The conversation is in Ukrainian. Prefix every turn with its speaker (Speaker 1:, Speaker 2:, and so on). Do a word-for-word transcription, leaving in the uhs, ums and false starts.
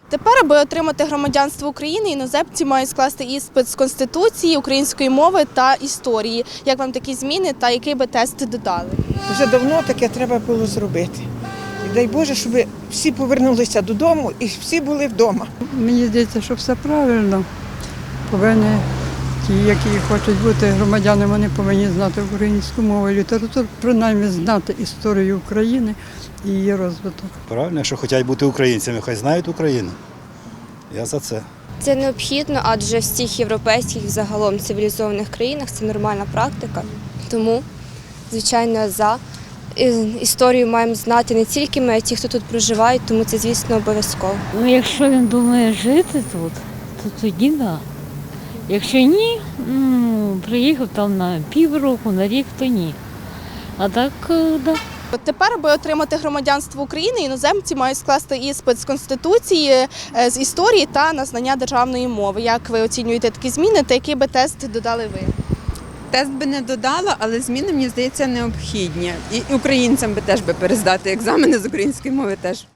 Speaker 1: Тепер, аби отримати громадянство України, іноземці мають скласти іспит з Конституції, української мови та історії. Як вам такі зміни та який би тест додали?
Speaker 2: Вже давно таке треба було зробити. І дай Боже, щоб всі повернулися додому і всі були вдома.
Speaker 3: Мені здається, що все правильно. Повинні ті, які хочуть бути громадянами, вони повинні знати українську мову і літературу, принаймні знати історію України і її розвиток.
Speaker 4: Правильно, якщо хочуть бути українцями, хай знають Україну. Я за це.
Speaker 5: Це необхідно, адже в всіх європейських і загалом цивілізованих країнах це нормальна практика. Тому, звичайно, за історію маємо знати не тільки ми, а й ті, хто тут проживають, тому це, звісно, обов'язково.
Speaker 6: Ну, якщо він думає жити тут, то тоді так. Да. Якщо ні, ну, приїхав там на півроку, на рік, то ні. А так, так. Да.
Speaker 1: От тепер, аби отримати громадянство України, іноземці мають скласти іспит з Конституції, з історії та на знання державної мови. Як ви оцінюєте такі зміни та який би тест додали ви?
Speaker 7: Тест би не додала, але зміни, мені здається, необхідні. І українцям би теж би перездати екзамени з української мови теж.